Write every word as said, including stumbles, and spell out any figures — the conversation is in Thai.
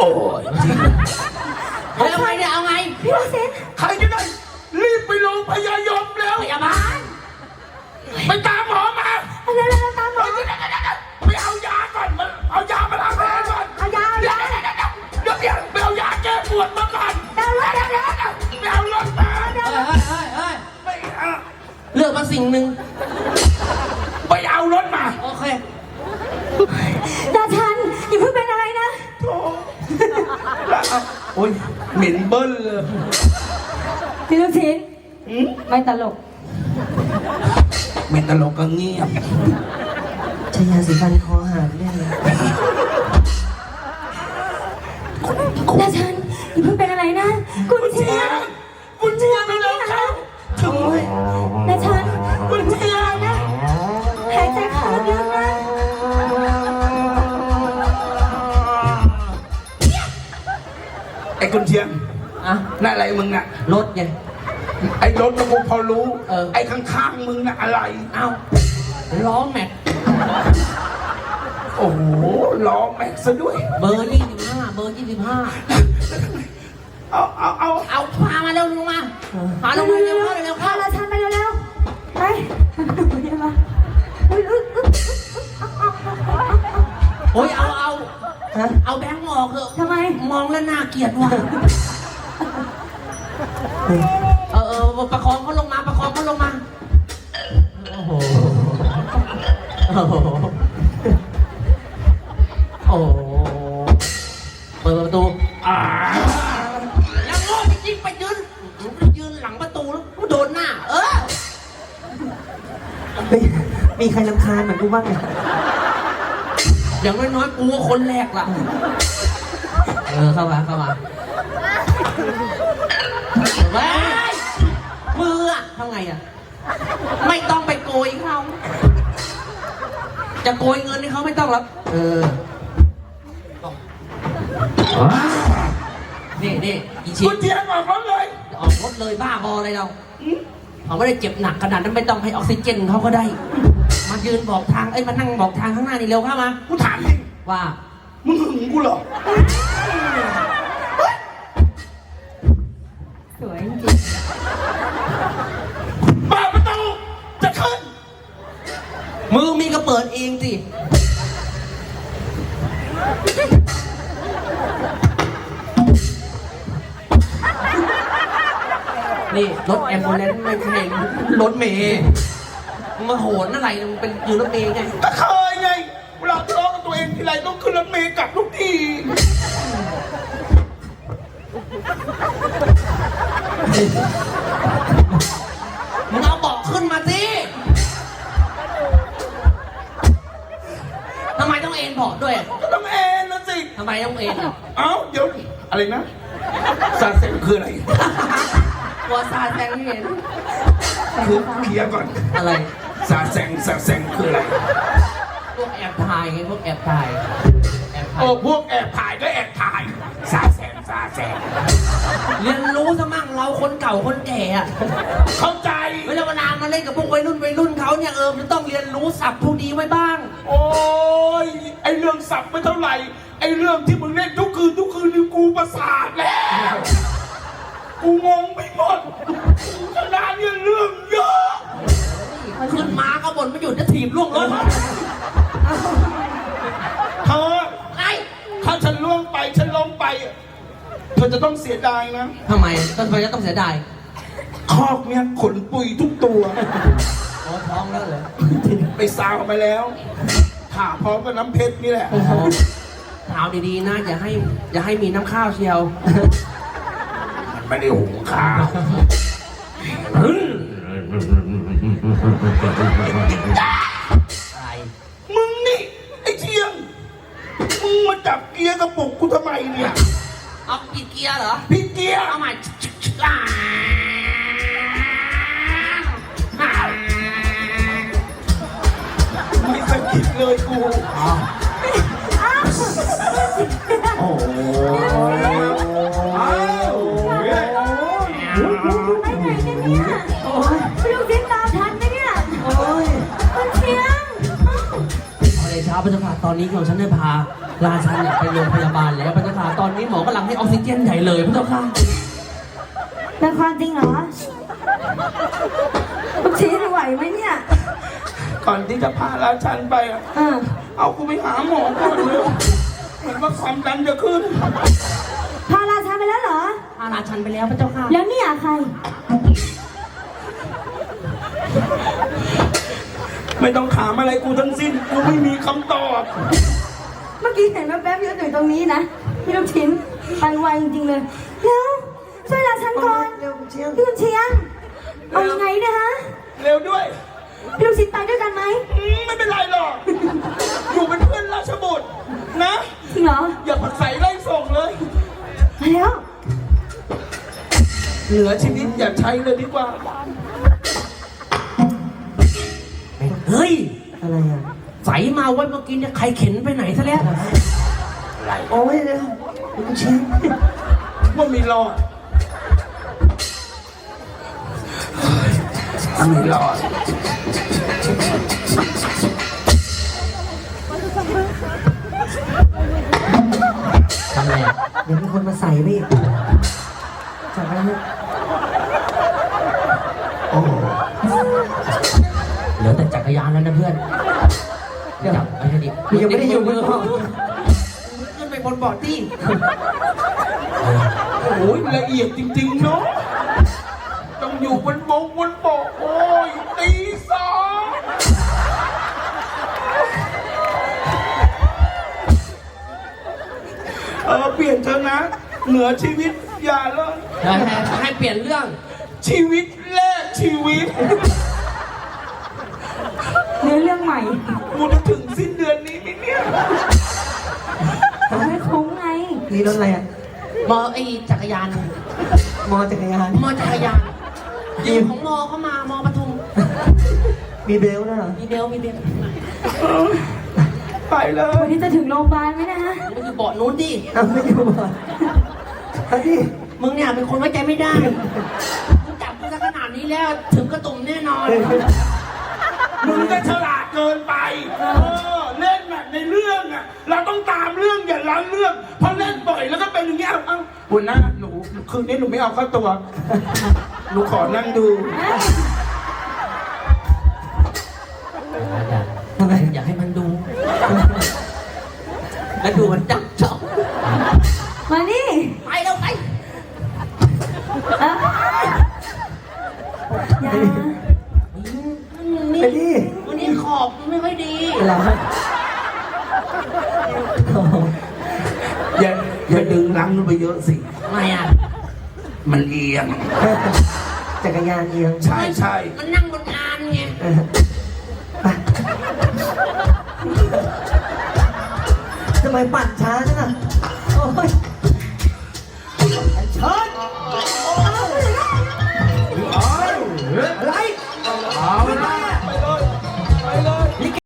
อ้ยเอาไงเนี่ยเอาไงพี่ลูกศิษย์ใครจะได้รีบไปโรงพยาบาลแล้วพยาบาลไปตามหมอมาเร็วๆตามหมอไปเอายาก่อนมันเอายามาล้างแผลก่อนเอายาเอายาเดี๋ยวเดี๋ยวไปเอายาแก้ปวดมาก่อนเดี๋ยวเดี๋ยวเดี๋ยวไปเอารถมาเฮ้ยเฮ้ยเฮ้ยไม่เอาเลือกมาสิ่งหนึ่งไปเอารถมาโอเคดาชันอย่าเพิ่งเป็นอะไรนะโอ้โอ้ยเหม็นเบิ้ลเลยพี่ลูกศิษย์ไม่ตลกไม่ตลกก็เงียบชายาสีฟันคอหางได้เลยดาชันอย่าเพิ่งเป็นอะไรนะกุญเชียงกุญเชียงไม่แล้วครับถึงเลยดาชันกุญเชียงนะหายใจเข้าลึกๆนะไอ้กุญเชียงอะนั่นอะไรมึงน่ะรถไงไอ้รถกูพอรู้เออไอ้ข้างๆมึงน่ะอะไรเอ้าล้อแม็กโอ้โหล้อแม็กซะด้วยเบอร์ยี่สิบห้าเบอร์ยี่สิบห้าเอาเอาเอาเอาพามาเร็วลงมาพาลงมาเร็วเร็วพาราชันไปเร็วๆไปโอ้ยเอาเอาเอาแบงค์ออกเถอะทำไมมองแล้วน่าเกลียดว่ะเออเออประคองเขาลงมาประคองเขาลงมาโอ้โหโอ้โหโอ้โหเปิดประตูอ่าแล้วโง่จริงๆไปยืนยืนหลังประตูแล้วโดนหน้าเออมีใครรำคาญเหมือนกูบ้างไหมอย่างน้อยๆกูก็คนแรกล่ะเออเข้ามาเข้ามาเว้ยมืออะทำไงอะไม่ต้องไปโกยเขาจะโกยเงินให้เขาไม่ต้องหรอกเออนี่นี่อีชิกุญเชียงออกรถเลยออกรถเลยบ้าบออะไรเราเขาไม่ได้เจ็บหนักขนาดนั้นไม่ต้องให้ออกซิเจนเขาก็ได้มายืนบอกทางเอ้ยมานั่งบอกทางข้างหน้านี่เร็วเข้ามากูถามจริงว่ามึงหึงกูเหรอสวยจริงเปิดประตูจะขึ้นมือมีก็เปิดเองสินี่รถแอมบูเลนซ์ไม่ใช่รถเมย์มาโหนอะไรมันเป็นอยู่รถเมย์ไงก็เคยไงเวลาทะเลาะกับตัวเองทีไรต้องขึ้นรถเมย์กลับทุกทีมึงเอาเบาะขึ้นมาสิทำไมต้องเอ็นเบาะด้วยก็ต้องเอ็นนะสิทำไมต้องเอ็นเอ้าเดี๋ยวอะไรนะซาเซ็งคืออะไรกลัวซาแซงไม่เห็นคือเคลียร์ก่อนอะไรซาแซงซาแซงคืออะไรพวกแอบถ่ายไงพวกแอบถ่ายโอ้พวกแอบถ่ายก็แอบถ่ายซาแซงซาแซงเรียนรู้ซะมั่งเราคนเก่าคนแก่อะเข้าใจเวลาเวลามาเล่นกับพวกวัยรุ่นวัยรุ่นเขาเนี่ยเออมันต้องเรียนรู้ศัพท์พวกนี้ไว้บ้างโอ้ยไอเรื่องศัพท์ไม่เท่าไหร่ไอเรื่องที่มึงเล่นทุกคืนทุกคืนนี่กูประสาทแล้วกูงงไปหมดขนาดนี้เรื่องเยอะขึ้นมาก็บ่นไม่หยุดจะถีบล่วงรถเธอไอ้ถ้าฉันล่วงไปฉันล้มไปเธอจะต้องเสียดายนะทำไมต้นไม้จะต้องเสียดายคอกเนี่ยขนปุยทุกตัวโอ้ท้องแล้วเหรอไปซาวไปแล้วผ่าพร้อมกับน้ำเพชรนี่แหละถามดีๆนะอย่าให้อย่าให้มีน้ำข้าวเชียวมันไม่ได้หุงข้าวอะไรมึงนี่ไอ้เชียงมึงมาจับเกียร์กระปุกกูทำไมเนี่ยเอาผิดเกียร์เหรอผิดเกียร์เอาใหม่ไม่สะกิดเลยกูโอ้โหไปไหนกันเนี่ยไปดูซิตามทันไหมเนี่ยโอ้ยคุณเชียงเอาเลยเช้าพระเจ้าค่ะตอนนี้ของฉันได้พาราชันเนี่ยไปโรงพยาบาลแล้วพระเจ้าค่ะตอนนี้หมอกำลังให้ออกซิเจนใหญ่เลยพระเจ้าค่ะเป็นความจริงเหรอลูกชิ้นไหวไหมเนี่ยก่อนที่จะพาราชันไปอะเออเอากูไปหาหมอก่อนเลยเหมือนว่าความดันจะขึ้นพาราชันไปแล้วเหรอพาราชันไปแล้วพระเจ้าค่ะแล้วเนี่ยใครไม่ต้องถามอะไรกูทั้งสิ้น กูไม่มีคำตอบเมื่อกี้เห็นแป๊บๆอยู่ตรงนี้นะพี่ลูกชิ้นไปไวจริงๆเลยแล้วช่วยราชันก่อนเร็วเชียงพี่ลูกเชียงเอายังไงเนะฮะเร็วด้วยพี่ลูกชิ้นไปด้วยกันไหมอืมไม่เป็นไรหรอก อยู่เป็นเพื่อนราชบุตรนะจริงเหรออย่าผัดใส่ไล่ส่งเลยมาแล้วเหลือชีวิตอย่าใช้เลยดีกว่าเฮ้ยอะไรอ่ะใสมาไว้เมื่อกี้เนี่ยใครเข็นไปไหนซะแล้วโอ้ยเร็วลูกชิ้นว่ามีรอดมีรอดทำอะไรอ่ะเดี๋ยวมีคนมาใส่พี่จับไปแล้วโอ้เหลือแต่จักรยานแล้วนะเพื่อนเดี๋ยวไอ้ดิกูยังไม่ได้อยู่บนห้องขึ้นไปบนเบาะที่โหละเอียดจริงๆเนาะ ต้องอยู่บนบกบนเบกโอ้ยตีสองเออเปลี่ยนเถอะนะ เหนือชีวิตอย่าเลยให้เปลี่ยนเรื่องชีวิตแรกชีวิตเนื้อเรื่องใหม่กูจะถึงสิ้นเดือนนี้ไหมเนี่ยไม่คุ้มไงนี่รถอะไรอ่ะมอไอจักรยานมอจักรยานมอจักรยานยืมของมอเข้ามามอปทุมมีเบลต์ด้วยเหรอมีเบลมีเบลไปเลยวันนี้จะถึงโรงพยาบาลไหมนะฮะมันอยู่เบาะนู้นดิอ้าวไม่อยู่บ่อนเอาดิมึงเนี่ยเป็นคนไว้ใจไม่ได้มึงจับกูซะขนาดนี้แล้วถึงกระตุ่มแน่นอนมึงก็ฉลาดเกินไป เออ เล่นแบบในเรื่องอ่ะ เราต้องตามเรื่องอย่าล้างเรื่อง เพราะเล่นบ่อยแล้วก็เป็นอย่างเงี้ยเอ้าหัวหน้าหนูคืนนี้หนูไม่เอาเข้าตัว หนูขอนั่งดูทำไมอยากให้มันดู แล้วดูมันจับจ้องมานี่ไปแล้วไปเอ้ยอย่านี่ไปดิวันนี้ขอบไม่ค่อยดีเหรอโอ้โหอย่าอย่าดึงลังไปเยอะสิทำไมอ่ะมันเอียงจักรยานเอียงใช่ใช่มันนั่งบนอานไงเออไปทำไมปั่นช้าจังอ่ะโอ้ยเชิญอะไร